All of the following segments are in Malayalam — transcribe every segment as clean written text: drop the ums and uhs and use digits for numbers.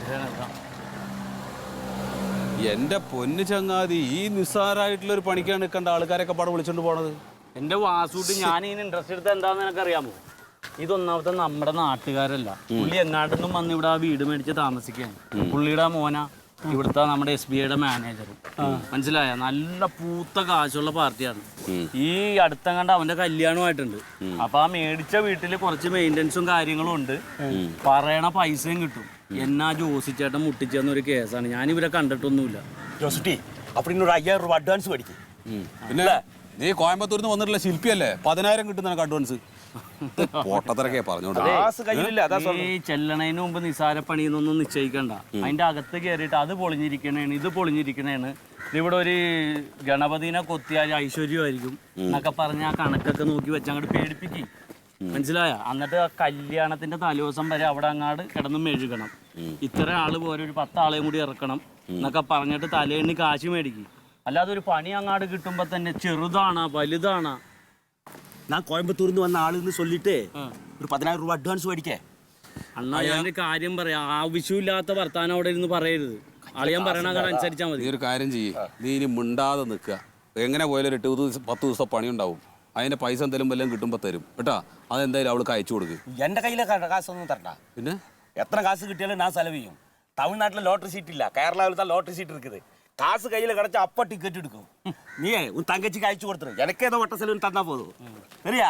എന്റെ പൊന്നു ചങ്ങാതി, ഈ നിസ്സാരമായിട്ടുള്ള ഒരു പണിക്കാണ് നിൽക്കേണ്ട ആൾക്കാരൊക്കെ പാടെ വിളിച്ചോണ്ട് പോണത്. എന്റെ വാസൂട്ട് ഞാൻ ഇതിന് ഇൻട്രസ്റ്റ് എടുത്ത എന്താന്ന് എനിക്കറിയാമോ? ഇതൊന്നാമത്തെ നമ്മുടെ നാട്ടുകാരല്ല. പുള്ളി എങ്ങാട്ടൊന്നും വന്ന് ഇവിടെ ആ വീട് മേടിച്ച് താമസിക്കുകയാണ്. പുള്ളിയുടെ മോന ഇവിടുത്തെ നമ്മുടെ SBIയുടെ മാനേജറും. മനസ്സിലായ? നല്ല പൂത്ത കാശുള്ള പാർട്ടിയാണ്. ഈ അടുത്ത കണ്ട അവന്റെ കല്യാണമായിട്ടുണ്ട്. അപ്പൊ ആ മേടിച്ച വീട്ടില് കുറച്ച് മെയിൻ്റെനൻസും കാര്യങ്ങളും ഉണ്ട്. പറയണ പൈസയും കിട്ടും. എന്നാ ജോസിച്ചേട്ടൻ മുട്ടിച്ചെന്നൊരു കേസാണ്. ഞാൻ ഇവരെ കണ്ടിട്ടൊന്നുമില്ല. ജോസിറ്റി അപ്പൊ ഒരു 5000 രൂപ അഡ്വാൻസ് മേടിക്കും. പിന്നെ നീ കോയമ്പത്തൂരിൽ നിന്ന് വന്നിട്ടുള്ള ശില്പിയല്ലേ, 10,000 കിട്ടുന്ന അഡ്വാൻസ്. പൊട്ടത്തിറക്കെ പറഞ്ഞോണ്ട് ഈ ചെല്ലണതിന് മുമ്പ് നിസാര പണിയെന്നൊന്നും നിശ്ചയിക്കണ്ട. അതിന്റെ അകത്ത് കയറിയിട്ട് അത് പൊളിഞ്ഞിരിക്കണേണ്, ഇത് പൊളിഞ്ഞിരിക്കണേണ്, ഇവിടെ ഒരു ഗണപതിനെ കൊത്തിയാൽ ഐശ്വര്യമായിരിക്കും എന്നൊക്കെ പറഞ്ഞ് ആ കണക്കൊക്കെ നോക്കി വെച്ച് അങ്ങോട്ട് പേടിപ്പിക്കും. മനസ്സിലായ? എന്നിട്ട് ആ കല്യാണത്തിന്റെ തലേദിവസം വരെ അവിടെ അങ്ങാട് കിടന്ന് മെഴുകണം. ഇത്ര ആള് പോരെ, ഒരു 10 ആളെയും കൂടി ഇറക്കണം എന്നൊക്കെ പറഞ്ഞിട്ട് തലേണ്ണി കാശ് മേടിക്കും. അല്ലാതെ ഒരു പണി അങ്ങാട് കിട്ടുമ്പോ തന്നെ ചെറുതാണാ വലുതാണാ. ഞാൻ കോയമ്പത്തൂരിൽ നിന്ന് വന്ന ആളെന്ന് சொல்லிட்டு ഒരു 10000 രൂപ അഡ്വാൻസ് മേടിക്കേ. അണ്ണാ ഞാൻ കാര്യം പറയാം, ആവശ്യമില്ലാത്ത വർത്താനം അവിടെ ഇരുന്ന് പറയരുത്. അളിയാൻ പറയണ അനുസരിച്ചാൽ മതി. നീ ഒരു കാര്യം ചെയ്യ്, നീ ഇനി മിണ്ടാതെ നിൽക്കുക. എങ്ങനെ പോയാലും 10 ദിവസം പണി ഉണ്ടാവും. അതിന്റെ പൈസ എന്തെങ്കിലും വല്ലതും കിട്ടുമ്പോൾ തരും കേട്ടാ. അതെന്തായാലും അവൾക്ക് അയച്ചു കൊടുക്ക്. എന്റെ കയ്യിലെ കാശൊന്നും തരണ്ട. പിന്നെ എത്ര കാശ് കിട്ടിയാലും ഞാൻ ചെലവ് ചെയ്യും. തമിഴ്നാട്ടിലെ ലോട്ടറി സീറ്റ് ഇല്ല, കേരളത്തിൽ ലോട്ടറി സീറ്റ് இருக்குது. காசு கையில் கிடச்சா அப்பா டிக்கெட் எடுக்கும். நீ உன் தங்கச்சிக்கு அழைச்சு கொடுத்துரு. எனக்கு ஏதோ வட்ட செலவுன்னு தந்தா போதும். சரியா?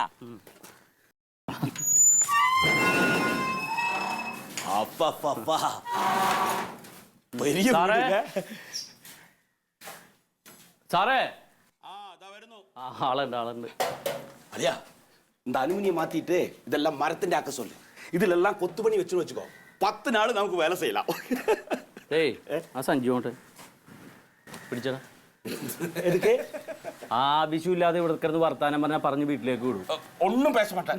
அப்பா பெரிய സാറേ, ആളുണ്ട്. അലിയാ, இந்த அலுமினியை மாத்திட்டு இதெல்லாம் மரத்தின் ஆக்க சொல்லு. ഇതിലെല്ലാം കൊത്തുപണി വെച്ചു വെച്ചുക്കോ. 10 നാൾ നമുക്ക് വേല ചെയ്യலாம். ഏയ് ആ സഞ്ജുണ്ട് പിടിച്ചടാ. ആവശ്യമില്ലാതെ ഇവിടെ കിടന്ന് വർത്താനം പറഞ്ഞാൽ പറഞ്ഞ് വീട്ടിലേക്ക് വിടും. ഒന്നും പേശ മാട്ടേൻ.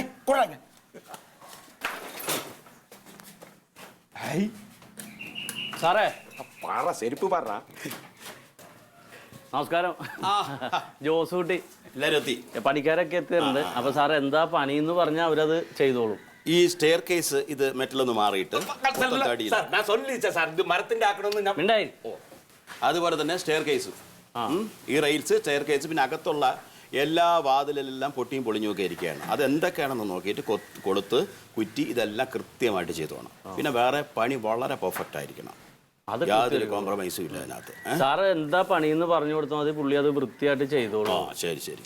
സാറേ പറ, ചെരുപ്പ് പറ. നമസ്കാരം. ജോസൂട്ടി എല്ലാരും എത്തി. പണിക്കാരൊക്കെ എത്തിയിട്ടുണ്ട്. അപ്പൊ സാർ എന്താ പണി എന്ന് പറഞ്ഞാൽ അവരത് ചെയ്തോളും. ഈ സ്റ്റെയർ കേസ് ഇത് മെറ്റലൊന്ന് മാറിയിട്ട് മരത്തിന്റെ ആക്കണമെന്ന്. അതുപോലെ തന്നെ സ്റ്റെയർ കേസ്, ഈ റെയിൽസ്, സ്റ്റെയർ കേസ്, പിന്നെ അകത്തുള്ള എല്ലാ വാതിലെല്ലാം പൊട്ടിയും പൊളിഞ്ഞും ഒക്കെ ഇരിക്കുകയാണ്. അത് എന്തൊക്കെയാണെന്ന് നോക്കിയിട്ട് കൊടുത്ത് കുറ്റി ഇതെല്ലാം കൃത്യമായിട്ട് ചെയ്തു വേണം. പിന്നെ വേറെ പണി വളരെ പെർഫെക്റ്റ് ആയിരിക്കണം. യാതൊരു കോംപ്രമൈസും ഇല്ല അതിനകത്ത്. സാറ് എന്താ പണിയെന്ന് പറഞ്ഞു കൊടുത്താൽ മതി, പുള്ളി അത് വൃത്തിയായിട്ട് ചെയ്തോളൂ. ശരി ശരി.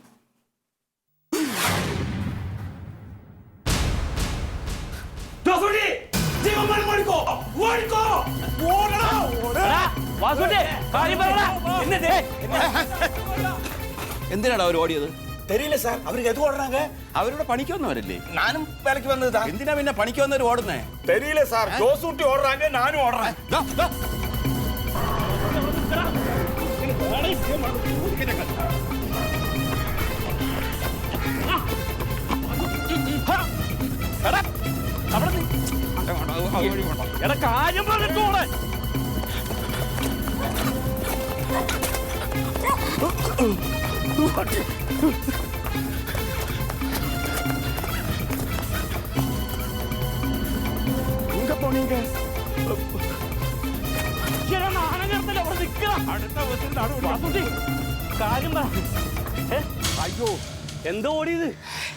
എന്തിനാണ് അവർ ഓടിയത്? தெரியல சார். அவருக்கு எது ஓடுறாங்க? അവരുടെ പണിക്ക് വന്നവരല്ലേ? நானும் வேலைக்கு வந்ததுதான். എന്തിനാ പിന്നെ പണിക്ക് വന്നവർ ഓടുന്നേ? தெரியல சார். ஜோசூட்டி ஓடுறாங்க, நானும் ஓடுறேன். കാര്യം പറഞ്ഞിട്ടോടെ எங்க போனீங்க? കാര്യം പറ. അയ്യോ എന്താ ഓടിയത്?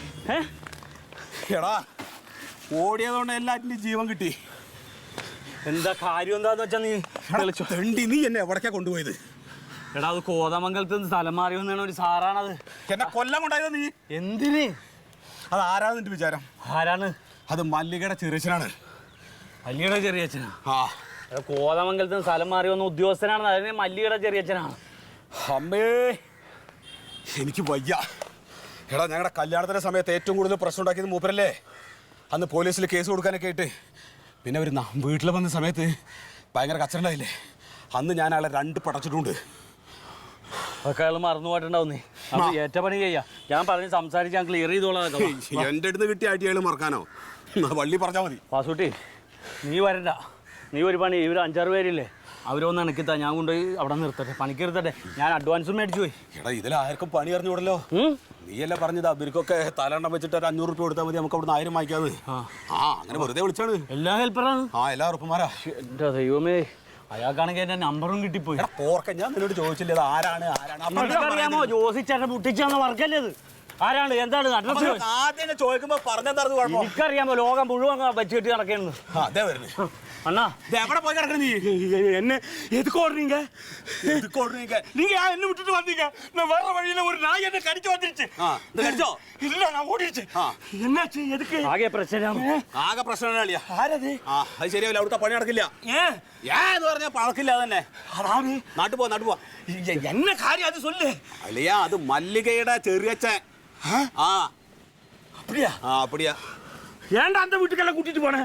എടാ, ഓടിയതുകൊണ്ട് എല്ലാറ്റിനും ജീവൻ കിട്ടി. എന്താ കാര്യം എന്താന്ന് വെച്ചാ നീ എന്നെ എവിടേക്കാ കൊണ്ടുപോയത്? എടാ, അത് കോതമംഗലത്ത് സ്ഥലം മാറി വന്നാണ് ഒരു സാറാണത്. എന്നെ കൊല്ലം കൊണ്ടായത് നീ. എന്തിന്? അത് ആരാന്ന് നിന്റെ വിചാരം? ആരാണ്? അത് മല്ലികയുടെ ചെറിയച്ഛനാണ്. മല്ലികയുടെ ചെറിയച്ഛനാ? ആ, കോതമംഗലത്ത് സ്ഥലം മാറി വന്ന ഉദ്യോഗസ്ഥനാണ്. അതിന് മല്ലികയുടെ ചെറിയച്ഛനാണ്. അമ്മേ, എനിക്ക് വയ്യ. എടാ, ഞങ്ങളുടെ കല്യാണത്തിന്റെ സമയത്ത് ഏറ്റവും കൂടുതൽ പ്രശ്നം ഉണ്ടാക്കിയത് മൂപ്പരല്ലേ. അന്ന് പോലീസിൽ കേസ് കൊടുക്കാനൊക്കെ ആയിട്ട്. പിന്നെ അവർ വീട്ടിൽ വന്ന സമയത്ത് ഭയങ്കര കച്ചറുണ്ടായില്ലേ. അന്ന് ഞാൻ അയാളെ 2 പടച്ചിട്ടുണ്ട്. അതൊക്കെ അയാൾ മറന്നു പോയിട്ടുണ്ടാവും. നീ ഏറ്റ പണി ചെയ്യാ. ഞാൻ പറഞ്ഞ് സംസാരിച്ച് ഞാൻ ക്ലിയർ ചെയ്തോളാം. എൻ്റെ അടുത്ത് കിട്ടിയ ആയിട്ട് അയാൾ മറക്കാനോ? വള്ളി പറഞ്ഞാൽ മതി. വാസൂട്ടി, നീ വരണ്ട. നീ ഒരു പണി, ഇവർ 5-6 പേരില്ലേ, അവരൊന്ന് ഇണക്കിത്താ, ഞാൻ കൊണ്ടുപോയി അവിടെ നിർത്തട്ടെ, പണിക്ക് നിർത്തട്ടെ. ഞാൻ അഡ്വാൻസും മേടിച്ചു പോയി. എടാ ഇതിലാർക്കും പണി അറിഞ്ഞൂടല്ലോ. നീയല്ലേ പറഞ്ഞത് ഇവർക്കൊക്കെ തലണ്ണം വെച്ചിട്ട് ഒരു 500 റുപ്യ കൊടുത്താൽ മതി, നമുക്ക് അവിടെ 1000 വാങ്ങിക്കാതെ. അങ്ങനെ വെറുതെ വിളിച്ചാണ്. എല്ലാ ഹെൽപ്പറാണ്. എല്ലാ ഉറപ്പുമാരാ. എന്റെ ദൈവമേ, അയാൾക്കാണെങ്കിൽ എന്റെ നമ്പറും കിട്ടിപ്പോയി. പോർക്ക, ഞാൻ നിന്നോട് ചോദിച്ചില്ല ഇത് ആരാണ് അറിയാമോ? ജോസിച്ചേട്ടൻ മുട്ടിച്ചാന്ന് വർക്കല്ലേ ഇത്? ആരാണ്, എന്താണ് അഡ്രസ്? ആദ്യം ചോദിക്കുമ്പോ പറഞ്ഞെന്താ കുഴപ്പം? എനിക്കറിയാമോ, ലോകം മുഴുവൻ വെച്ചിട്ട് നടക്കുന്നു. അതേ വരുന്നു. அண்ணா எவட போய் கிடக்குற நீ? என்ன எதுக்கு ஓடுறீங்க? எதுக்கு ஓடுறீங்க? நீங்க ஏன் என்ன விட்டுட்டு வந்தீங்க? நான் வர வழியில ஒரு நாய் என்ன கடிச்சு வந்துருச்சு. இந்த கடிச்சோ? இல்ல, நான் ஓடிடுச்சு. என்னாச்சு? எதுக்கு? ആകെ പ്രശ്നമാണ്. ആകെ പ്രശ്നമാണല്ലേ? ആരത്? അത് ശരിയാവില്ല, അവിടുത്തെ പണി നടക്കില്ല. എന്ന് പറഞ്ഞാൽ പഴക്കില്ല തന്നെ. അതാണ്. നാട്ടു പോവാ. என்ன காரியம் அது சொல்லு. അല്ലയാ, അത് മല്ലികയുടെ ചെറിയച്ഛൻ. அப்படியா? அப்படியா. ஏன்டா அந்த வீட்டுக்கெல்லாம் கூட்டிட்டு போன?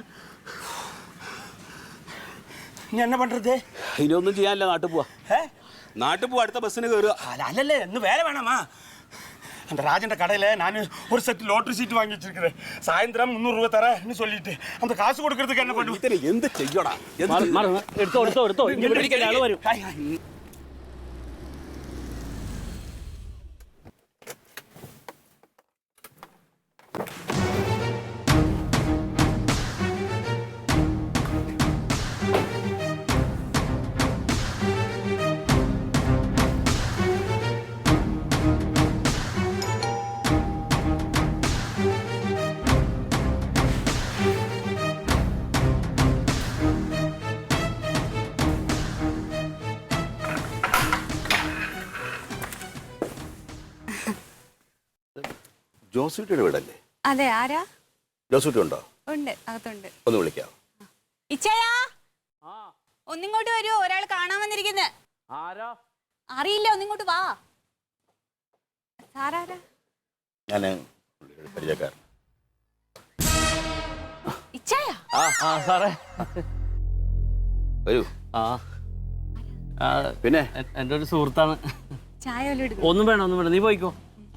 நீ என்ன பண்றது? ഇനിയൊന്നും ചെയ്യാനില്ല, നാട്ടിൽ പോവാ. നാട്ടിൽ പോവാ, അടുത്ത ബസ്സിന് കയറുക. அல்ல, இன்னும் வேலை வேணாமா? அந்த ராஜன் கடையில் நான் ஒரு செட் லாட்டரி சீட்டு வாங்கி வச்சிருக்கிறேன். சாயந்தரம் 300 ரூபா தரேன்னு சொல்லிட்டு அந்த காசு கொடுக்கறதுக்கு என்ன பண்ணுவ? എന്ത് ചെയ്യടാ? എടുത്തോ വരും. ജോസൂട്ടിയുടെ വീടല്ലേ? അതെ, ആരാ? ജോസൂട്ടി ഉണ്ടോ? ഉണ്ട്, അകത്തുണ്ട്. ഒന്ന് വിളിക്കാം. ഇച്ചയാ, ഒന്നിങ്ങോട്ട് വരൂ, ഒരാൾ കാണാൻ വന്നിരിക്കുന്നത്. ആരാ? അറിയില്ല, ഒന്നിങ്ങോട്ട് വാ. സാറാരാ? ഞാൻ പരിചയക്കാരൻ. ഇച്ചയാ? സാറേ വരൂ. പിന്നെ എൻ്റെ ഒരു സുഹൃത്താണ്. ചായ വല്ലതും എടുക്കും? ഒന്നും വേണം, നീ പോയിക്കോ.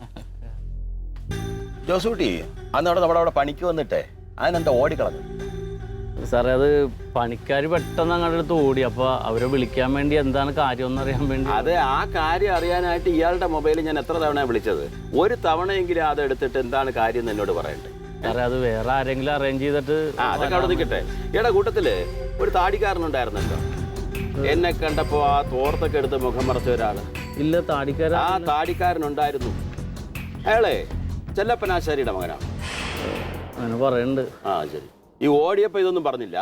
ജോസൂട്ടി അന്ന് അവിടെ പണിക്ക് വന്നിട്ടേ അതിനെന്താ ഓടിക്കളഞ്ഞു? സാറേ, അത് പണിക്കാർ പെട്ടെന്ന് അങ്ങോട്ട് അടുത്ത് ഓടി. അപ്പോൾ അവരെ വിളിക്കാൻ വേണ്ടി എന്താണ് കാര്യം എന്ന് അറിയാൻ വേണ്ടി. അത് ആ കാര്യം അറിയാനായിട്ട് ഇയാളുടെ മൊബൈലിൽ ഞാൻ എത്ര തവണ വിളിച്ചത്? ഒരു തവണയെങ്കിലും അത് എടുത്തിട്ട് എന്താണ് കാര്യം എന്ന് എന്നോട് പറയണ്ടേ? സാറേ, അത് വേറെ ആരെങ്കിലും അറേഞ്ച് ചെയ്തിട്ട്. അതൊക്കെ അവിടെ നിൽക്കട്ടെ. ഈയുടെ കൂട്ടത്തില് ഒരു താടിക്കാരനുണ്ടായിരുന്നല്ലോ, എന്നെ കണ്ടപ്പോ ആ തോർത്തൊക്കെ എടുത്ത് മുഖം മറച്ച ഒരാള്. ഇല്ല, താടിക്കാരൻ. ആ താടിക്കാരനുണ്ടായിരുന്നു. അയാളെ ചെല്ലപ്പനാശാരിയുടെ മകനാണ്. അങ്ങനെ പറയുന്നുണ്ട്. ശരി. ഈ ഓടിയപ്പോ ഇതൊന്നും പറഞ്ഞില്ല?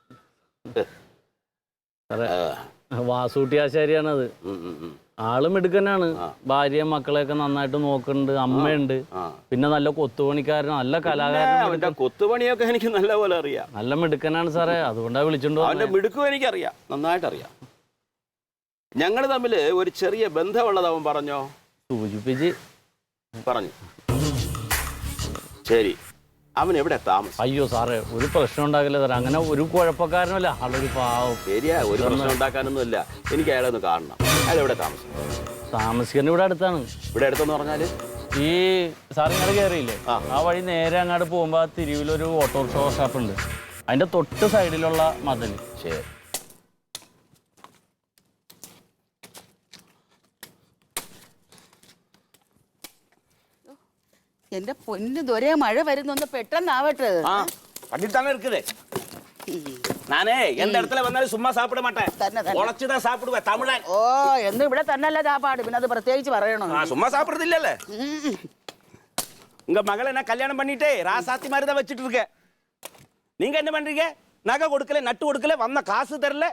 സാറേ, വാസൂട്ടിയാശാരിയാണത്. ആളും എടുക്കനാണ്. ഭാര്യയും മക്കളെയൊക്കെ നന്നായിട്ട് നോക്കുന്നുണ്ട്. അമ്മയുണ്ട്. പിന്നെ നല്ല കൊത്തുപണിക്കാരൻ, നല്ല കലാകാരൻ. കൊത്തുപണിയൊക്കെ എനിക്ക് നല്ലപോലെ അറിയാം. നല്ല മിടുക്കനാണ് സാറേ, അതുകൊണ്ടാണ് വിളിച്ചോണ്ട്. അവന്റെ മിടുക്കും എനിക്കറിയാം, നന്നായിട്ടറിയാം. ഞങ്ങൾ തമ്മിൽ ഒരു ചെറിയ ബന്ധമുള്ളത് അവൻ പറഞ്ഞോ? സൂചിപ്പിച്ച് പറഞ്ഞു. ശരി, അവൻ എവിടെ താമസം? അയ്യോ സാറേ, ഒരു പ്രശ്നം ഉണ്ടാക്കില്ല സാറേ. അങ്ങനെ ഒരു കുഴപ്പക്കാരനല്ല, ആളൊരു പാവം. ശരിയാ, ഒരു പ്രശ്നം ഉണ്ടാക്കാനൊന്നുമില്ല. എനിക്ക് അയാളെ ഒന്ന് കാണണം. അയാൾ എവിടെ താമസിക്കുന്നത്? ഇവിടെ അടുത്താണ്. ഇവിടെ അടുത്തെന്ന് പറഞ്ഞാല് ഈ സാർ ഇങ്ങോട്ട് കയറിയില്ലേ, ആ വഴി നേരെ അങ്ങോട്ട് പോകുമ്പോൾ ആ തിരുവിലൊരു ഓട്ടോറിക്ഷ ഷോപ്പ് ഉണ്ട്. അതിന്റെ തൊട്ട് സൈഡിലുള്ള മതിൽ. ശരി. എന്റെ പൊന്നു ദൊരേ, മഴ വരുന്നൊന്ന് പെട്ടെന്നാവട്ടെ. பண்ணிட்டு இருக்குது. நானே எந்த இடத்துல வந்தாலும் சும்மா சாப்பிட மாட்டேன், உழைச்சுதான் சாப்பிடுவேன். தமிழன். ഓ, എന്നും ഇവിടെ തന്നെയല്ല ചാപ്പാട്, പിന്നെ അത് പ്രത്യേകിച്ച് പറയണോ? சும்மா சாப்பிடுறது இல்லல்ல. உங்க மகளை நான் கல்யாணம் பண்ணிட்டே ராசாத்தி மாதிரி தான் வச்சுட்டு இருக்கேன். நீங்க என்ன பண்றீங்க? நகை கொடுக்கல, நட்டு கொடுக்கல, வந்த காசு தரல.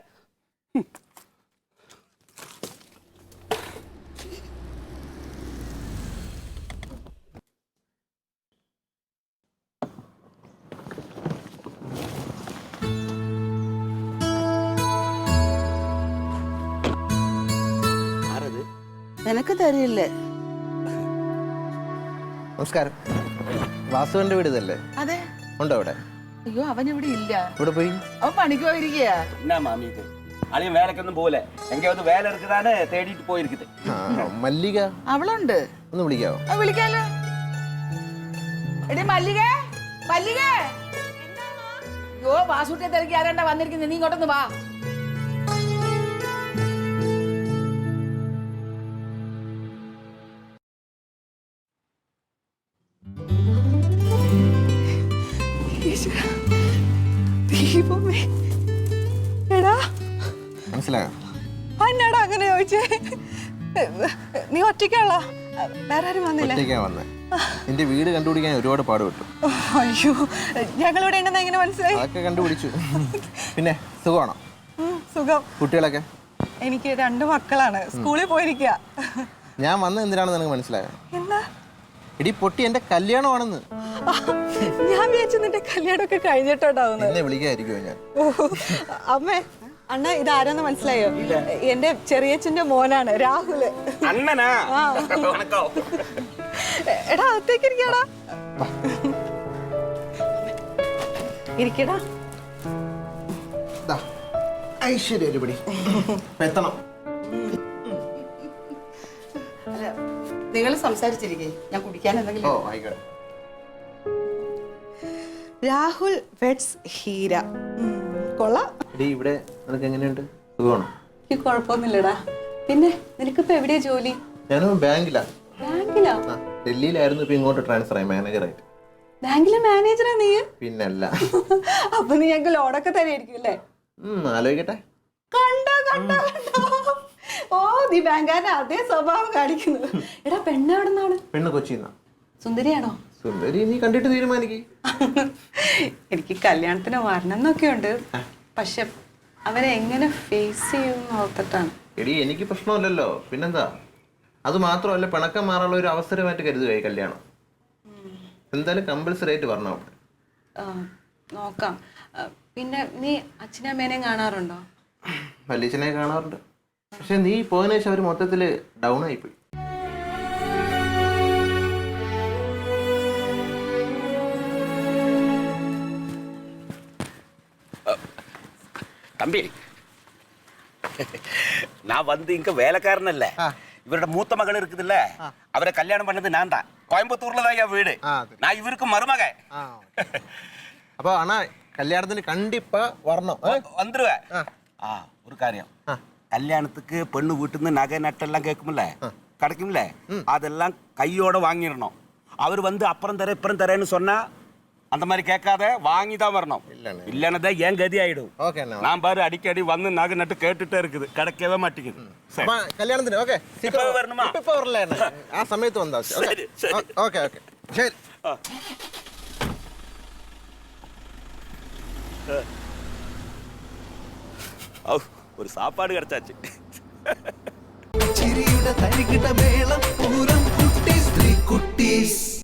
നിനക്ക് തരില്ലേ? നമസ്കാരം. വാസുവിന്റെ വീട് ഇതല്ലേ? അതെ. ഉണ്ടോ അവിടെ? അയ്യോ, അവൻ ഇവിടെ ഇല്ല. ഇവിടെ പോയി? അവൻ പണിക്ക് പോയിരിക്കുക. என்ன மாமி இது? அழியும் வேலைக்கு ஒன்றும் போகல, எங்கேயாவது வேலை இருக்குதானே தேடிட்டு போயிருக்குது. മല്ലിക അവളുണ്ട്. ഒന്ന് വിളിക്കാവോ? വിളിക്കാലോ. എടി മല്ലിക, മല്ലിക. അയ്യോ, വാസൂട്ടിയെ തിരക്കി ആരാണ്ടാ വന്നിരിക്കുന്നത്? നീ ഇങ്ങോട്ടൊന്ന് വാ. മനസ്സിലായോ? എന്നാടാ അങ്ങനെ ചോദിച്ചേ? നീ ഒറ്റയ്ക്കാളോ? വേറെ ആരും വന്നില്ല? ഒറ്റയ്ക്കാ വന്നേ. നിന്റെ വീട് കണ്ടുപിടിക്കാൻ ഒരുപാട് പാടുപെട്ടു. അയ്യോ, ഞങ്ങളിവിടെ ഉണ്ടെന്ന് എങ്ങനെ മനസ്സിലായി? അതൊക്കെ കണ്ടുപിടിച്ചു. പിന്നെ സുഖമാണോ? സുഖം. കുട്ടികളൊക്കെ? എനിക്ക് 2 മക്കളാണ്, സ്കൂളിൽ പോയിരിക്കുക. ഞാൻ വന്നത് എന്തിനാണെന്ന് നിനക്ക് മനസ്സിലായോ? എന്താ? ഇടി പൊട്ടി, എന്റെ കല്യാണമാണെന്ന്. ഞാൻ വിചാരിച്ചു നിന്റെ കല്യാണമൊക്കെ കഴിഞ്ഞിട്ടുണ്ടാവുന്നു. എന്നെ വിളിക്കാതിരിക്കുമോ ഞാൻ? അമ്മേ, അണ്ണ ഇതാരാന്ന് മനസ്സിലായോ? എന്റെ ചെറിയച്ഛന്റെ മോനാണ് രാഹുല്. അണ്ണനാ? എടാ, അകത്തേക്ക് ഇരിക്കടാ. ഇരിക്കടാ. ഐശ്വര്യ ഒരുപടി എത്തണം. നിങ്ങൾ സംസാരിച്ചിരിക്കേ, ഞാൻ കുടിക്കാൻ എന്തെങ്കിലും. ഓ ആയിക്കോട്ടെ. രാഹുൽ വെഡ്സ് ഹീര. കൊള്ളാം. എടി, ഇവിടെ നിനക്ക് എങ്ങനെയുണ്ട്? സുഖമാണോ? എനിക്ക് കുഴപ്പമൊന്നുമില്ലടാ. പിന്നെ നിനക്കിപ്പോ എവിടെയാ ജോലി? ഞാനും ബാങ്കിലാ. ബാങ്കിലാ? ഡൽഹിയിലായിരുന്നു, ഇപ്പൊ ഇങ്ങോട്ട് ട്രാൻസ്ഫർ ആയി മാനേജറായിട്ട്. ബാങ്കിലെ മാനേജറാ നീ? പിന്നല്ല. അപ്പൊ നീ ഞങ്ങൾക്ക് ലോണൊക്കെ തരായിരിക്കും അല്ലേ? ആലോചിക്കട്ടെ. കണ്ടോ കണ്ടോ കണ്ടോ? ഓ, നീ ബാങ്കാരന്റെ അതേ സ്വഭാവം കാണിക്കുന്നത്. എടാ, പെണ്ണ് എവിടെ നിന്നാണ്? പെണ്ണ് കൊച്ചിന്നാ. സുന്ദരിയാണോ? സുന്ദരി നീ കണ്ടിട്ട് തീരുമാനിക്കേ. എനിക്ക് കല്യാണത്തിന് വരണം എന്നൊക്കെ ഉണ്ട്, പക്ഷെ അവരെ എങ്ങനെ ഫേസ് ചെയ്യുമെന്ന് ഓർത്തിട്ടാണ്. എടി, എനിക്ക് പ്രശ്നമില്ലല്ലോ, പിന്നെന്താ? അത് മാത്രമല്ല, പിണക്കം മാറാനുള്ള ഒരു അവസരമായിട്ട് കരുതുക ഈ കല്യാണം. എന്തായാലും കമ്പൽസറി ആയിട്ട് വരണം അവിടെ. നോക്കാം. പിന്നെ നീ അച്ഛനമ്മേനെയും കാണാറുണ്ടോ? വല്യച്ഛനെ കാണാറുണ്ട്. പക്ഷെ നീ പോയതിനു ശേഷം അവർ മൊത്തത്തിൽ ഡൗൺ ആയിപ്പോയി. தம்பி, நான் வந்து இங்க வேலைக்காரன் இல்ல. இவரோட மூத்த மகள் இருக்குதுல்ல, அவரை கல்யாணம் பண்ணது நான் தான். கோயம்புத்தூர்ல தான் என் வீடு. நான் இவருக்கு மருமக. അപ്പൊ അണ്ണാ, കല്യാണത്തിന് കണ്ടിപ്പാ വരണം. வந்துருவேன். ஒரு காரியம், கல்யாணத்துக்கு பெண்ணு வீட்டுன்னு நகை நட்டெல்லாம் கேட்கும்ல, கிடைக்கும்ல, அதெல்லாம் கையோட வாங்கிடணும். அவர் வந்து அப்புறம் தரேன் இப்புறம் தரேன்னு சொன்னா அந்த மாதிரி கேட்காத, வாங்கி தான் வரணும். இல்லைன்னா தான் ஏன் கதி ஆயிடும். நான் பாரு அடிக்கடி வந்து நகை நட்டு கேட்டுட்டே இருக்குது, கிடைக்கவே மாட்டேங்குது. കല്യാണത്തിന് ഓക്കെ வரணுமா? ഇപ്പൊ വരില്ല, ആ സമയത്ത് വന്നാ ഓക്കെ ഓക്കെ ശരി. ஒரு சாப்பாடு கிடைச்சாச்சு. ചിരിയുടെ തരികിട മേളം പൂരം കുട്ടീസ് 3 കുട്ടീസ്.